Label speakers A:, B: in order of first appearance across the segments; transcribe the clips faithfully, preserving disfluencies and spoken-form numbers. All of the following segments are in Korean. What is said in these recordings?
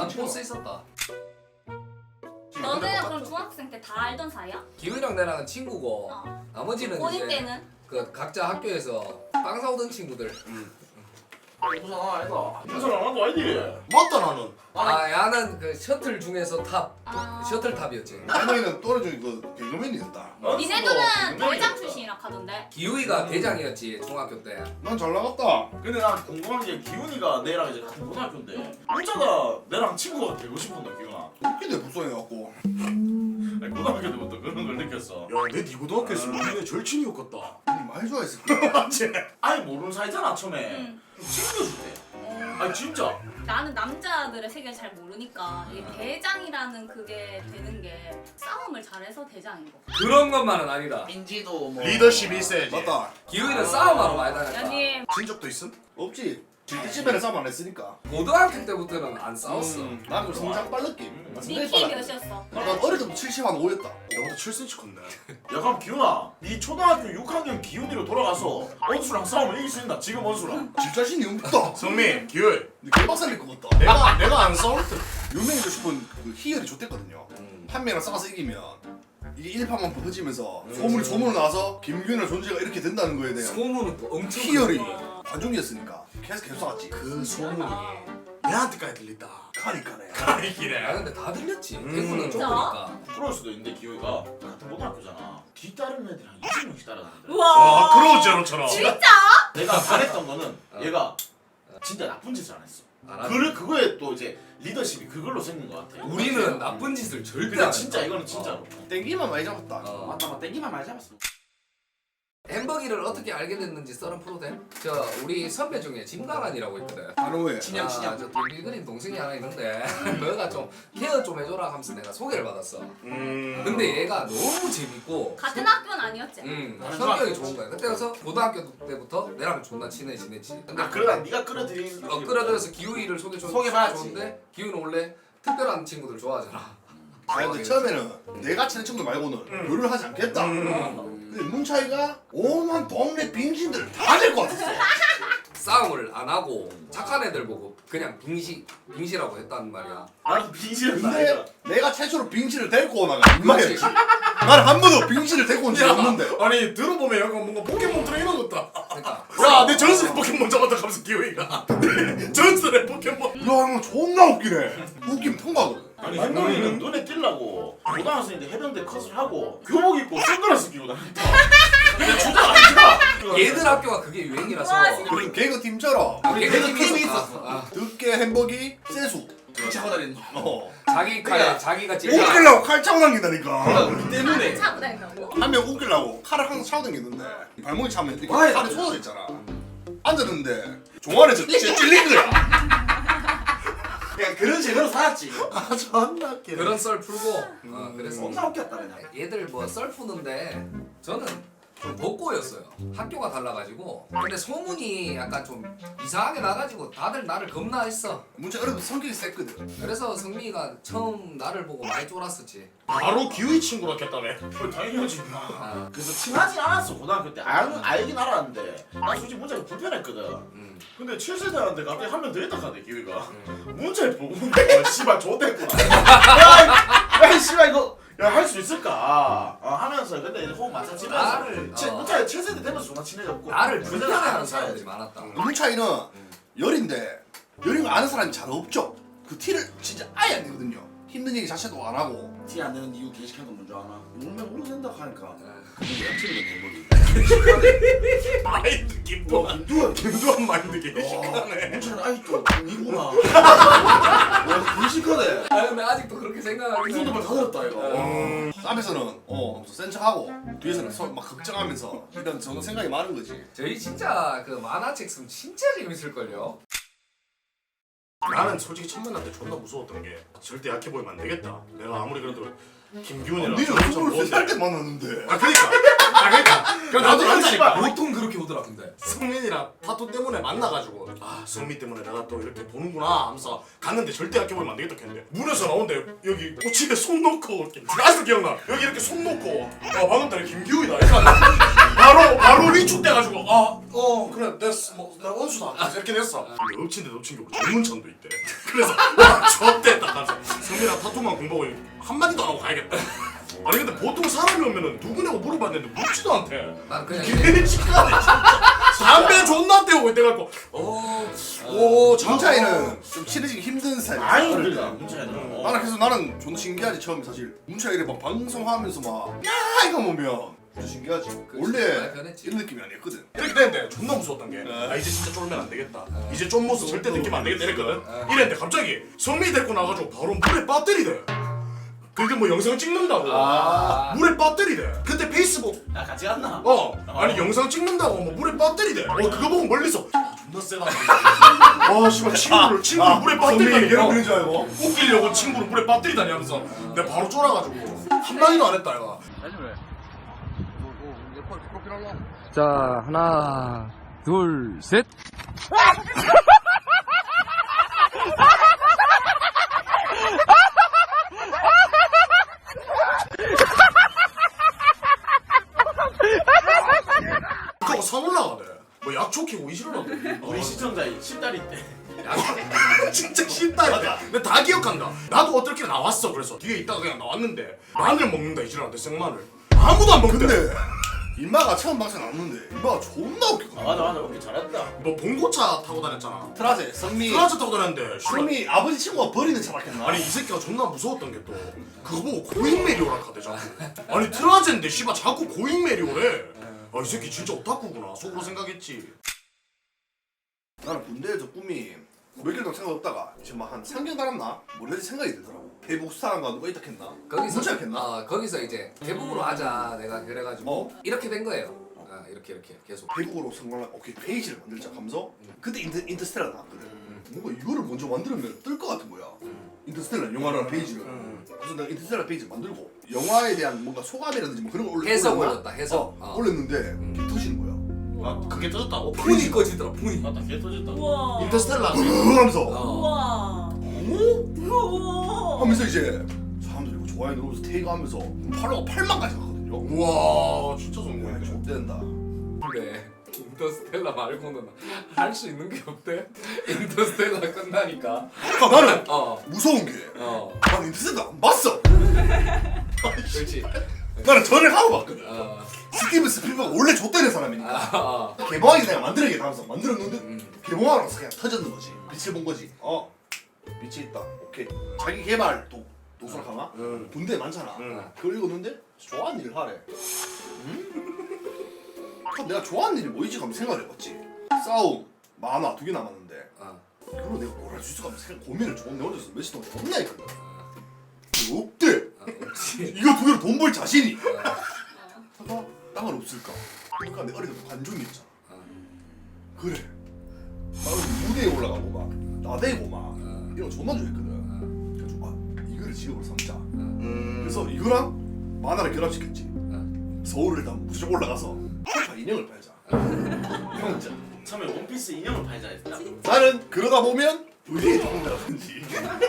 A: 난 포스 있었다.
B: 너는 그럼 중학생 때 다 알던 사이야?
A: 기훈이랑 나랑은 친구고
B: 어.
A: 나머지는
B: 고딩
A: 이제
B: 때는?
A: 그 각자 학교에서 빵 사오던 친구들.
C: 부산 하나 아니다. 부산 하나도 아니지.
D: 맞다 나는.
A: 아 야는 그 셔틀 중에서 탑
B: 아.
A: 셔틀 탑이었지.
D: 할머니는 또래중에 그 개그맨이었다.
B: 니네들은 대장 출신이라 하던데.
A: 기우이가 대장이었지 중학교 때.
D: 난 잘 나갔다.
C: 근데 난 궁금한 게 기훈이가 내랑 이제 같은 고등학교인데 혼자가 내랑 친구가 되고 싶었나 기훈아?
D: 웃기네 불쌍해갖고.
C: 아니, 고등학교 때부터 그런 걸 느꼈어.
D: 야내 네 고등학교에서 우리네 절친이었겠다. 아니 많이 좋아했을 거야.
C: 맞지? 아니 모르는 사이잖아 처음에.
B: 응.
C: 챙겨주대.
B: 어.
C: 아니 진짜.
B: 나는 남자들의 세계를 잘 모르니까 이 대장이라는 그게 되는 게 싸움을 잘해서 대장인 거.
A: 그런 것만은 아니다.
C: 인지도 뭐.
D: 리더십이 있어야지. 맞다.
A: 기우이는 싸움하러 많이 다녔다.
B: 연님
D: 진 적도 있음? 없지. 질투집에는 싸움 안 했으니까.
A: 고등학교 때부터는 안 싸웠어.
D: 음, 나는 좀 성장 빨랐기. 나
B: 니
D: 성장이
B: 키
D: 빨랐.
B: 몇이었어?
D: 난 어릴 때부터 칠십 한 오였다. 너보다 칠 센티미터 컸네.
C: 야 그럼 기훈아, 네 초등학교 육 학년 기훈이로 돌아가서 원수랑 싸우면 이길 수 있나? 지금 원수랑.
D: 질 자신이 없다.
E: 성민, 기울.
D: 네 개박살릴 것 같다.
E: 내가 내가 안 싸울 때
D: 유명해지고 싶은 그 희열이 좋댔거든요. 한 명이랑 싸워서 이기면 이게 일파만 퍼지면서 소문이 소문을 나서 김규현의 존재가 이렇게 된다는 거에 대한
A: 소문은 또 엄청
D: 희열이
A: 크고.
D: 관중이었으니까 계속 계속 싸웠지.
E: 그 소문이 내한테까지 들린다.
D: 가니까네.
A: 야
E: 가리기래.
A: 근데 다 들렸지.
E: 음.
A: 대구는
B: 진짜?
A: 좁으니까.
C: 부러울 수도 있는데 기훈이가 같은 고등학교잖아. 뒤따르는 애들이 한 이십 명씩 따라다니더라.
E: 와, 그런 제로처럼.
B: 진짜?
C: 내가 잘했던 거는
A: 어.
C: 얘가 진짜 나쁜 짓을 안 했어.
A: 안 하지.
C: 그 그거에 또 이제 리더십이 그걸로 생긴 것 같아.
A: 우리는 나쁜 짓을 절대
C: 근데
A: 안
C: 진짜
A: 했다.
C: 이거는 진짜로.
D: 땡기만 많이 잡았다.
A: 어.
C: 맞다 맞다 땡기만 많이 잡았어.
A: 햄버기를 어떻게 알게 됐는지 썰은 프로 돼? 저 우리 선배 중에 진강한이라고 있거든.
D: 바로 왜?
C: 진영, 진영.
A: 아, 저 빌그린 동생이 하나 있는데 너가 좀 케어 좀 해줘라 하면서 내가 소개를 받았어.
E: 음.
A: 근데 얘가 너무 재밌고
B: 같은 학교는 아니었지?
A: 음,
C: 다른
A: 성격이
C: 중학교.
A: 좋은 거야. 그때 가서 고등학교 때부터 내랑 존나 친해 지냈지. 근데
C: 아 그러다 네가 끌어들인.
A: 어, 끌어들여서 기우이를 소개 좀
C: 소개받았지.
A: 좋은데 기우는 원래 특별한 친구들 좋아하잖아.
D: 아 근데 처음에는 내가 친한 친구들 말고는 요리를 하지 않겠다. 근데 문차이가 오만 동네 빙신들을 다 될 것 같았어.
A: 싸움을 안 하고 착한 애들 보고 그냥 빙시 빙시라고 했단 말이야.
C: 나도 빙신은
D: 근데
C: 아니야.
D: 내가 최초로 빙신을 데리고 오나가 인마였지. 나는 한 번도 빙신을 데리고 온 적이 없는데.
E: 아니 들어보면 약간 뭔가 포켓몬 트레이너 같다.
A: 그러니까
E: 야, 내 전설의 포켓몬 잡았다 하면서 기우이가. 내 전설의 포켓몬.
D: 야 이거 존나 웃기네. 웃기면 통과거든.
C: 아니 햄버기는 눈에 띄려고 고등학생인데 해병대 컷을 하고 교복 입고 선글라스 끼고 다녔다. 근데 주저 아니야.
A: 얘들 학교가 그게 유행이라서
B: 와, 진짜.
D: 우리 개그 팀처럼
A: 아, 걔네
D: 개그
A: 팀이
D: 팀이
A: 있었어.
D: 있었어.
A: 아,
D: 듣게 햄버기 세수.
C: 같이 하고 다니는
D: 어.
A: 자기 칼
C: 그러니까
A: 자기가 찍어.
D: 웃기려고 칼 차고 다닌다니까.
C: 우리 때문에.
B: 차고 다닌다고?
D: 한 명 웃기려고 칼을 항상 차고 다니는데 발목이 차면 이렇게
C: 와야
D: 칼이
C: 돼.
D: 쏟아져 있잖아. 앉았는데 종아리에서 찔- 찔린 거야.
C: 그냥 그런 재미로 살았지.
D: 아 존나 웃기네.
A: 그런 썰 풀고 어, 그래서
C: 존나 웃겼다 그냥.
A: 얘들 뭐 썰 푸는데 저는 좀 복고였어요. 학교가 달라가지고. 근데 소문이 약간 좀 이상하게 나가지고 다들 나를 겁나했어.
D: 문제 어려도 성격이 셌거든.
A: 그래서 성민이가 처음 나를 보고 많이 쫄았었지.
E: 바로 기우이 친구로 했다며.
C: 그걸 당연하지.
A: 아,
C: 그래서 친하진 않았어 고등학교 때. 알, 알긴 알았는데 나 솔직히 문자가 불편했거든.
A: 음,
C: 근데 칠 세대한테 갑자기 한 명 더 있다 카네 기회가.
A: 음.
C: 문자를 보고 어, 씨발 좋댔구나. 야, 야 씨발 이거 야 할 수 있을까? 어, 하면서 근데 이제 호흡 맞춰지면서
A: 나를
C: 치-
A: 어,
C: 문자에 칠 세대 되면서 존나 친해졌고
A: 나를
C: 그때는
A: 불편해하는
C: 아는
A: 사람들이
C: 사이였지.
A: 많았다.
D: 문 차이는 열인데 열인 거 아는 사람이 잘 없죠. 그 티를 진짜 아예 안 내거든요. 힘든 얘기 자체도 안 하고.
C: 티 안 내는 이유 게시한 건 뭔지 아나? 울면 울어도 된다 하니까
A: 네.
C: 그게 양치는 햄버기.
E: 마인드 김도한.
C: 누가
E: 김도한 마인드 개시하네.
C: 문자는 아직도 이구나. 와 게시하네.
A: 아 근데 아직도 그렇게 생각하긴 해.
C: 손도 다 들었다 이거.
E: 음.
D: 앞에서는 어 하면서 센 척하고 뒤에서는 서, 막 걱정하면서 이런 저는 생각이 많은 거지.
A: 저희 진짜 그 만화책 쓰면 진짜 재밌을걸요?
E: 나는 솔직히 첫 만날 때 존나 무서웠던 게 절대 약해 보이면 안 되겠다. 내가 아무리 그래도 김기훈이랑
D: 니는
E: 저런 좀
D: 스물세 살
E: 뭔데.
D: 때 만났는데.
E: 아 그니까. 아 그니까. 그럼 나도
C: 나도
E: 한다니까.
A: 보통 그렇게 오더라 근데.
E: 성민이랑 타투 때문에 만나가지고 아 성민 때문에 내가 또 이렇게 보는구나 하면서 갔는데 절대 약해 보이면 안 되겠다 했는데 문에서 나오는데 여기 꼬치에 손 놓고 이렇게 아직도 기억나 여기 이렇게 손 놓고 아 방금 전에 김기훈이다 이렇게 하는데 바로 바로 위축돼가지고 아 아어 그래 됐어 뭐 내가 원수다 이렇게 됐어. 근데 엎친 데 엎친 게 없고 전문천도 있대. 그래서 와 졌댔다 하면서 성민아 타투만 공부하고 한마디도 안 하고 가야겠다. 아니 근데 보통 사람이 오면은 누구냐고 물어봤는데 묻지도 않대.
A: 난 그냥
E: 걔네 집가네 진짜. 담배 존나 떼고 이때갖고 어오
D: 문차이는 좀 친해지기 힘든 스타일.
C: 아니 그러니까 문차이는
D: 나는 그래서 나는 존나 신기하지 처음에 사실 문차이 이래 막 방송하면서 막야 이거 보면 진짜 신기하지.
A: 그치,
D: 원래
A: 많이 변했지.
D: 이런 느낌이 아니었거든.
E: 이렇게 됐는데 존나 무서웠던 게 아 이제 진짜 쫄면 안 되겠다. 이제 쫀 모습 절대 느끼면 안 되겠다 이랬거든. 이랬는데 갑자기 성민이 데리고 나가지고 바로 물에 빠뜨리대. 그게 뭐 영상 찍는다고
A: 아.
E: 물에 빠뜨리대. 그때 페이스북
C: 야 같이 갔나?
E: 어 아니 영상 찍는다고 뭐 물에 빠뜨리대. 어 그거 보고 멀리서 아, 존나 세다. 와 씨발 친구를 친구를 물에 빠뜨리다니.
D: 괴롭히는 줄 알고.
E: 웃기려고 친구를 물에 빠뜨리다니 하면서 내가 바로 쫄아가지고 한마디도 안 했다 얘가.
F: 자, 하나, 둘, 셋.
E: 그거 산 올라가네. 뭐 약초 캐고 이시러라고.
C: 우리 시청자 십다리 때
E: 진짜 쉽다. 근데 다 기억한다. 나도 어떻게 나왔어. 그래서 뒤에 있다가 그냥 나왔는데 마늘 먹는다 이시러한테 생마늘. 아무도 안 먹는데.
D: 근데 인마가 처음 방송 나왔는데 인마가 존나 웃겼거든.
C: 아 맞아 맞아 오케이 잘했다.
E: 너 봉고차 타고 다녔잖아.
D: 트라제 선미
E: 트라차 타고 다녔는데 씨발.
D: 선미 아버지 친구가 버리는 차 맞겠나?
E: 아니 이 새끼가 존나 무서웠던 게 또 그거 보고 고잉메리오라 카대 자꾸. 아니 트라젠데 씨발 자꾸 고잉메리오래. 아 이 새끼 진짜 오타쿠구나 속으로 생각했지.
D: 나는 군대에서 꿈이 몇 개월 동안 생각 없다가 이제 막 한 삼 개월 달았나? 뭐래지 생각이 들더라고. 대북 수사관과 누가 있다 했나?
A: 거기서
D: 문자 했나?
A: 어, 거기서 이제 대북으로 하자 내가 그래가지고
D: 어?
A: 이렇게 된 거예요. 아, 이렇게 이렇게 계속.
D: 대북으로 성공한 오케이 페이지를 만들자 하면서 그때 인터, 인터스텔라 나왔거든. 뭔가 이거를 먼저 만들면 뜰 것 같은 거야. 인터스텔라 영화라는 페이지를. 그래서 내가 인터스텔라 페이지를 만들고 영화에 대한 뭔가 소감이라든지 뭐 그런 걸 올렸,
A: 해석
D: 올렸나?
A: 올렸다, 해석.
D: 어,
A: 어.
D: 올렸는데 개 터지는 거야.
C: 아 그게 터졌다고?
A: 분이 꺼지더라 분이.
C: 맞다 개 터졌다.
B: 우와.
E: 인터스텔라.
D: 하면서
A: 어.
B: 우와. 우와.
D: 하면서 이제 사람들이 이거 좋아요 누르면서 테이크하면서 팔로가 팔만까지 갔거든요.
E: 우와 진짜 좋은
D: 와
E: 거야.
D: 이거 좋댄다.
A: 근데 인터스텔라 말고는 할 수 있는 게 없대. 인터스텔라 끝나니까.
D: 나는
A: 어.
D: 무서운 게
A: 어.
D: 나는 인터스텔라 안 봤어.
A: 그렇지.
D: 나는 전을 하고 봤거든.
A: 어.
D: 스티븐 스필버가 원래 좆되는 사람이니까
A: 아, 어.
D: 개봉하기 전에 만들어야겠다 하면서 만들었는데
A: 음.
D: 개봉하고 나서 그냥 터졌는 거지. 빛을 본 거지. 어 빛이 있다. 오케이. 자기 개발 도 도서를 가나?
E: 응.
D: 본데 많잖아.
E: 응.
D: 그걸 읽었는데 좋아하는 일을 하래. 음? 그럼 내가 좋아하는 일이 뭐이지? 하면 생각을 해봤지. 싸움, 만화 두 개 남았는데
A: 어.
D: 그걸 내가 뭘 할 수 있을까 하면 생각 고민을 좀 내 혼자서 며칠 동안 존나 했거든. 없대.
A: 어, 없지.
D: 이거 두 개로 돈 벌 자신이.
A: 어.
D: 하가 땅은 없을까? 그러니까 내 어릴 때 관종이 있잖아.
A: 어.
D: 그래. 나는 무대에 올라가고 막 나대고 막
A: 어.
D: 이런 거 존나 좋아했거든. 그래서 아 이거를 직업으로 삼자.
E: 음.
D: 그래서 이거랑 만화를 결합시켰지. 서울을 일단 무조건 올라가서 초파 인형을 팔자. 형자.
C: 처음에 원피스 인형을 팔자 했다.
D: 나는 그러다 보면 의리의 조금이라든지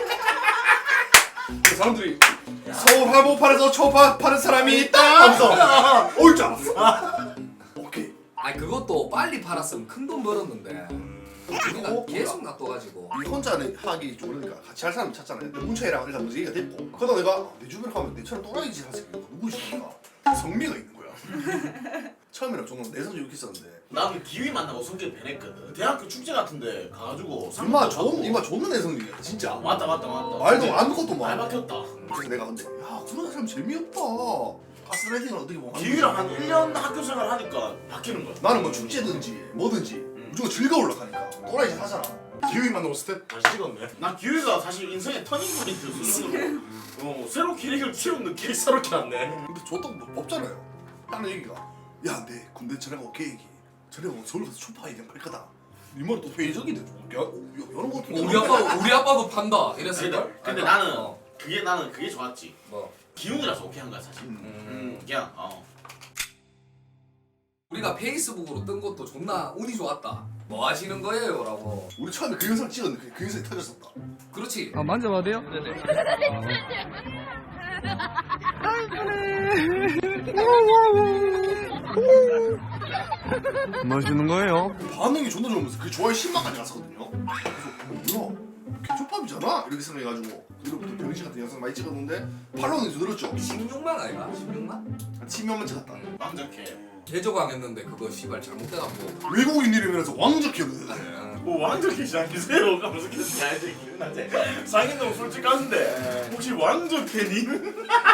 D: 그 사람들이 서울 한복판에서 초파 파는 사람이 있다 하면서 올 줄 알았어. 오케이.
A: 아니 그것도 빨리 팔았으면 큰 돈 벌었는데 우리가
D: 어,
A: 계속 놔둬가지고.
D: 이 혼자는 하기 좋으니까 같이 할 사람 찾잖아요. 근데 문차이랑 일단 먼저 얘기가 됐고 그러다 내가 내 주변에 가면 내처럼 또라이 짓 하는 새끼가 누구시니까 성미가 있는 거야. 처음에는 좀 내성적이 있었는데
C: 나는 기위 만나고 성격 변했거든. 대학교 축제 같은데 가가지고
D: 이마 좋은 이마 좋은 내성적이야 진짜.
C: 맞다 맞다 맞다.
D: 말도 아무것도
C: 말
D: 막.
C: 박혔다.
D: 그래서 내가 근데 야 그런 사람 재미없다. 가스라이팅을 어떻게 보면
C: 기위랑 한 일 년 학교 생활 하니까 바뀌는 거야.
D: 나는 뭐 축제든지 뭐든지 무조건 즐거우려 하니까 또라이 짓 하잖아.
E: 기회만 만나고 스텝 다시 찍었네.
C: 난 기위가 사실 인생의 터닝 포인트 수준으로 어, 새로 기획을 키운 느낌.
E: 새롭게 왔네.
D: 근데 저도 뭐 없잖아요. 하는 얘기가 야 내 군대 전화가 계획이 전화가 서울 가서 초파 인형 팔 거다. 이 말은 또 회의적인데 좀 야, 야, 이런 거 같은
A: 우리 아빠 우리 아빠도 판다 이랬을
C: 근데,
A: 걸.
C: 근데 나는 그게 나는 그게 좋았지.
A: 뭐
C: 기운이라서 오케이 한 거야 사실.
D: 음.
C: 음, 그냥 어.
A: 우리가 페이스북으로 뜬 것도 존나 운이 좋았다. 뭐 하시는 거예요?라고.
D: 우리 처음에 그 영상 찍었는데 그, 그 영상이 터졌었다.
A: 그렇지.
F: 아, 만져봐도 돼요? 네네. 아, 이쁘네. 맛있는 거예요?
D: 반응이 존나 좋으면서 그 좋아요 십만까지 갔었거든요. 그래서 뭐야 개초밥이잖아 이렇게 생각해가지고 그로부터 병신 같은 영상 많이 찍었는데 팔로우는 늘었죠.
A: 십육만 아이가? 십육만?
D: 한 십몇만 찍었다.
E: 왕적해.
A: 개조광했는데 그거 씨발 잘못돼갖고
D: 외국인 이름이라서 왕적해거든.
E: 뭐 왕적해 시작하세요. 가면서 계속 야이제 기분나지. 상인동 솔직한데 혹시 왕적해님?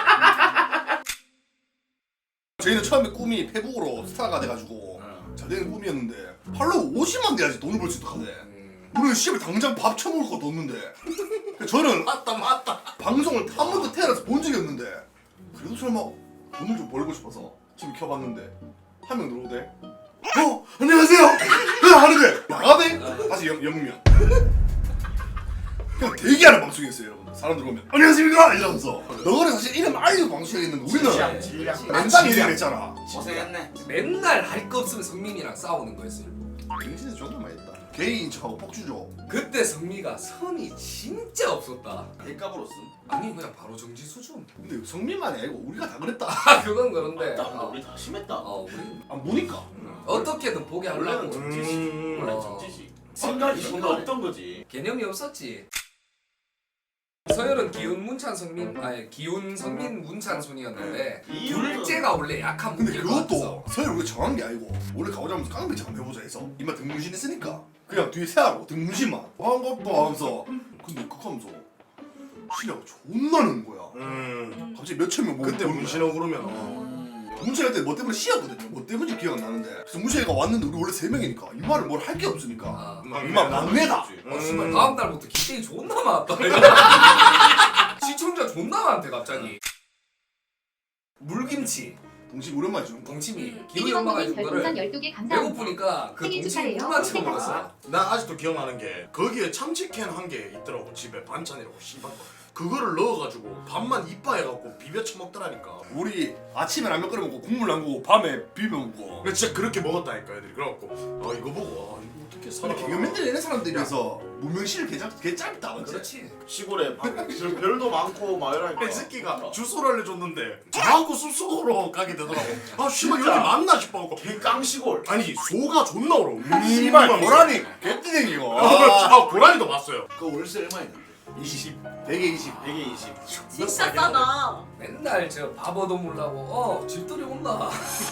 D: 저희는 처음에 꿈이 페북으로 스타가 돼가지고 잘 되는 꿈이었는데 팔로우 오십만 돼야지 돈을 벌 수 있다 하대. 우리는 씨발 당장 밥 처먹을 것도 없는데 저는
E: 맞다 맞다.
D: 방송을 한 번도 태어나서 본 적이 없는데 그래도 설마 돈을 좀 벌고 싶어서 지금 켜봤는데 한 명 들어오대. 어 안녕하세요. 하는데 나가대 다시 영 영명. 그냥 대기하는 방송이었어요 여러분. 사람들 오면 안녕하십니까 이러면서 너는 사실 이름 알리고 방송했는데 우리는
E: 질량.
D: 맨땅 이름 했잖아.
E: 고생했네.
A: 맨날 할 거 없으면 성민이랑 싸우는 거였어요.
D: 진짜 존나 많이 했다. 게이인 척하고 폭주죠.
A: 그때 성미가 선이 진짜 없었다.
E: 대값으로 쓴.
A: 아니 그냥 바로 정지 수준.
D: 근데 성민만이 아니고 우리가 다 그랬다.
A: 아 그건 그런데.
E: 나 근데 우리 다 심했다.
A: 어 우리
D: 안 보니까.
A: 어떻게든 보게 하려고.
E: 원래는 정지식. 원래
A: 어.
E: 정지식. 생각이 존나 없던 거지.
A: 개념이 없었지. 서열은 기훈 문찬 성민 아니 기훈 성민 문찬 순이었는데
E: 이유는-
A: 둘째가 원래 약한
D: 근데
A: 무기일 것 같아서.
D: 그것도 서열 우리가 정한 게 아니고 원래 가오자면서 깡패 잠 해보자 해서 이마 등문신 했으니까 그냥 뒤에 세하고 등문신만 반갑다 하면서 근데 그거 하면서 시ля가 존나 는 거야.
E: 음.
D: 갑자기 몇천 명 모고
E: 그때 문신하고 그러면
D: 문채가 그때 뭐 때문에 시였거든요. 뭐 때문인지 기억 안 나는데 그래서 문채가 왔는데 우리 원래 세 명이니까 이 말을 뭘 할 게 없으니까
A: 아,
D: 이마 막내다.
A: 어, 씨발 다음 달부터 기대이 존나 많았다. 시청자 존나 많대 갑자기. 물김치
D: 동심 오랜만에 주는 거.
A: 동치미
B: 음,
A: 기훈이 엄마가 해준
G: 별풍선
A: 거를
G: 열두 개 감사합니다.
A: 배고프니까 그
G: 생일
A: 동치미
G: 축하해요.
A: 물만 채워 먹었어.
E: 나 아직도 기억나는 게 거기에 참치캔 한 개 있더라고 집에 반찬이라고 씨발 그거를 넣어가지고 밥만 이빠해갖고 비벼 처먹더라니까.
D: 우리 아침에 라면 끓여 먹고 국물 남고 밤에 비벼 먹고.
E: 근데 진짜 그렇게 먹었다니까 애들이. 그래갖고 아 이거 보고 아 이거 어떻게 살아.
D: 근데 개그맨들 이런 사람들에 비해서 무명실 개, 짧- 개 짧다 맞지?
A: 그렇지.
H: 시골에 별도 많고 막 이러니까
E: 이 새끼가 주소를 알려줬는데 자꾸 숲속으로 가게 되더라고. 아 씨발 여기 맞나 싶어갖고
H: 깡시골
E: 아니 소가 존나 울어.
D: 씨발 고라니 개뜨댕이고.
E: 아, 아 고라니도 봤어요.
H: 그 월세 얼마 있는데?
D: 이십 백에 이십.
H: 백에 이십.
B: 진짜 싸다.
A: 맨날 저 밥 얻어먹으려고 어 집들이 온다.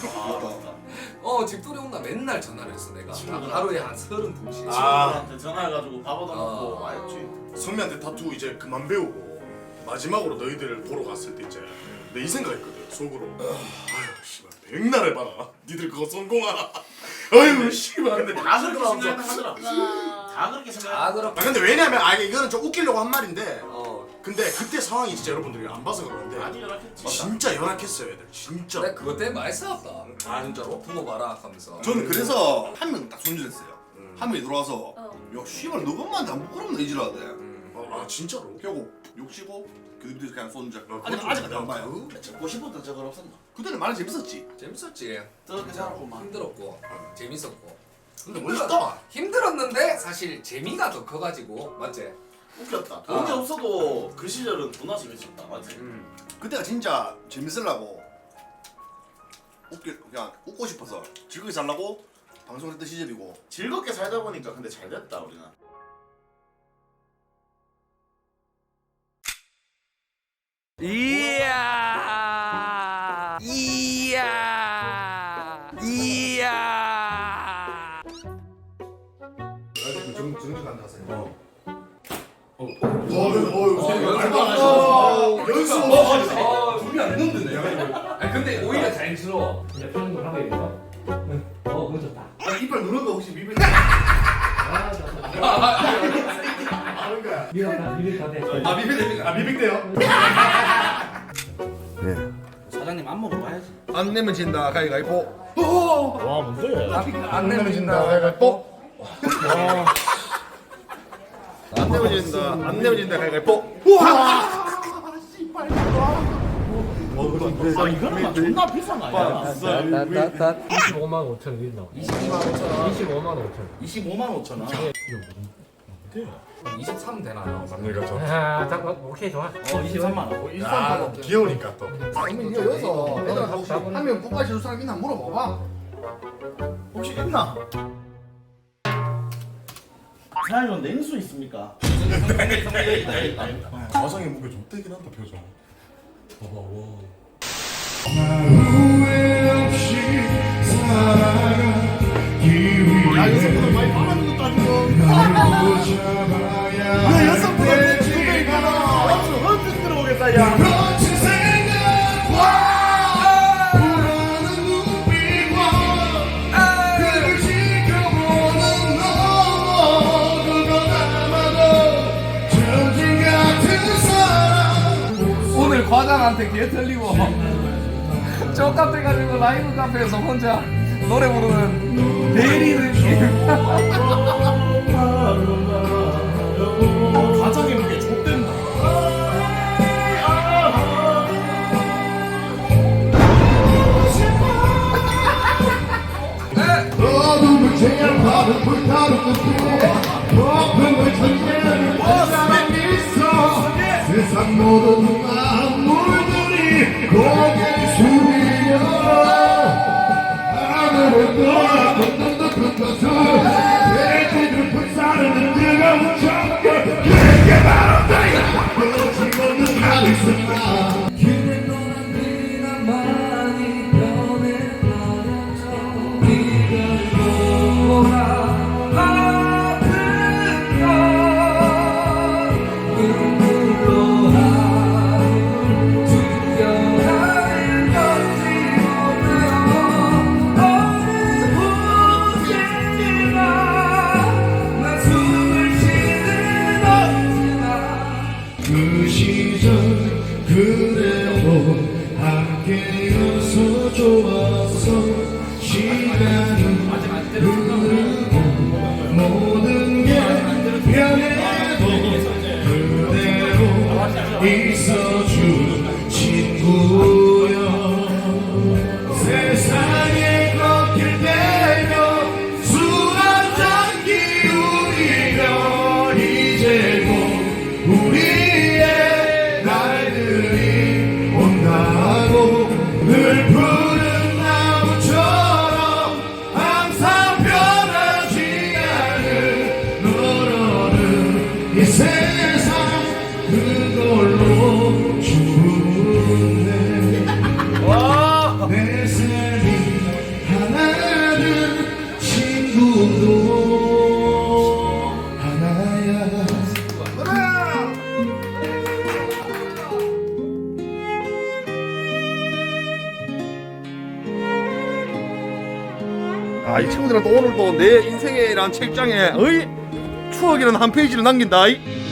A: 어 집들이 온다 맨날 전화를 했어 내가. 하루에 한 서른 통씩.
E: 아.
H: 친구들한테 전화해가지고 밥 얻어먹고
A: 아.
H: 와 했지.
E: 선미한테 타투 이제 그만 배우고 마지막으로 너희들을 보러 갔을 때 이제 내 이 생각했거든 속으로. 아유 씨발 백날 해봐라. 니들 그거 성공하라. 아유 씨발.
H: 근데 다 그렇게 생각하더라.
B: 와.
H: 다 그렇게
A: 다
H: 생각.
A: 그렇.
E: 아 근데 왜냐면 아 이거는 좀 웃기려고 한 말인데
A: 어.
E: 근데 그때 상황이 진짜 여러분들이 안 봐서 그런데
H: 많이 연락했지.
E: 진짜 연약했어요 애들 진짜.
A: 내가 그것 때문에 많이 싸웠다.
E: 아 진짜로?
A: 부모 봐라 하면서.
D: 저는 그래서 한 명 딱 손질했어요.
E: 음.
D: 한 명이 들어와서
B: 어.
D: 야 씨발 너것만 안 부끄럽나 이지라대.
E: 아, 아 진짜로?
D: 결국 욕시고 그 밑에서 그냥 손질.
E: 아,
D: 아직
E: 그건
D: 아직
E: 좀-
D: 안 봐요.
H: 적고 싶었던 적은 없었나?
D: 그때는 많이 재밌었지.
A: 재밌었지.
H: 그렇게 살았구만.
A: 힘들었고 재밌었고.
E: 근데
A: 힘들었-
E: 멋있다.
A: 힘들었는데 사실 재미가 더 커가지고 맞지?
H: 웃겼다. 돈이
A: 아.
H: 없어도 그 시절은 존나 재밌었다. 맞지?
A: 음.
D: 그때가 진짜 재밌으려고 웃기 그냥 웃고 싶어서 즐겁게 살라고 방송했던 시절이고.
H: 즐겁게 살다 보니까 근데 잘 됐다 우리는.
F: 이야 이야 이야
D: 정 정직 안 나세요.
A: 어,
E: 연습
A: 어, 준비 안 했는데. 아니 근데 오히려 자연스러워.
I: 이제 표현을 하고 있어. 응. 어, 그거 좋다.
D: 이빨 누른 거 혹시 미벨?
I: 아, 좋다. 미역다, 미역 다 돼.
D: 아 미벨 아 미벨 때요?
I: 사장님 안 먹으러 와야지.
D: 안 내면 진다 가위가위보.
I: 와, 뭔데?
D: 안 내면 진다 가위가위보. 안 내면 진다 안 내면 진다 가위가위보.
I: 아, 이거는 존나 비싼 거 아니야? 이십오만 오천 원 나와.
A: 이십이만 오천 원.
I: 이십오만 오천 원.
H: 이십오만 오천 원.
A: 이십삼 되나요?
E: 남녀가 저
I: 아, 자, 어, 오케이, 좋아. 어, 이십삼만 원.
E: 아, 귀여우니까 또.
D: 그러면 이거 여기서 애들 하고 싶어. 한명 뽑아줄 사람 있나 물어봐봐.
C: 혹시 있나? 사장님 냉수 있습니까?
E: 가상의 무게 좆되긴 한다 표정.
I: 봐봐 와.
C: 야 여성분들 많이 빨아든 것도 아니고 야 여성분들 두 배이구나 헐 헐 들어오겠다 야
A: 오늘 과장한테 개 틀리고 쩍같아가지고 라이브 카페에서 혼자 노래 부르는 대리 느낌.
E: 가상의 무게 좆된다.
C: 어둠을 제압하는 불타는 눈빛 거품을 전개하는 사람이 있어 세상 모든 만물들이 고개를 숙이며 하늘을 떠나 걷는 듯한 것을 돼지들 불사르는 뜨거운 정글 그게 바로 나야 끊어지 없는 카리스마 길을 떠난 네가 많이 변해버렸어 네가 돌아 아픈 건 눈물로 하늘 숨겨가는 건지 몰라 어느 곳에나 난 숨을 쉬는 언제나 그 시절 그대로 함께여서 좋았어 시간은 흐르고 모든 게 변해도 그대로 있어준 친구여 세상에 걷길 대며 술 한잔 기울이며 이제 곧 우리의 날들이 온다고 늘 푸른 나무처럼 항상 변하지 않을 너로는 이 세상 그걸로 충분해 내 삶이 하나는 친구도 하나야 아, 이 친구들한테 오늘도 내 인생이란 책장에 어이 추억이라는 한 페이지를 남긴다. 이.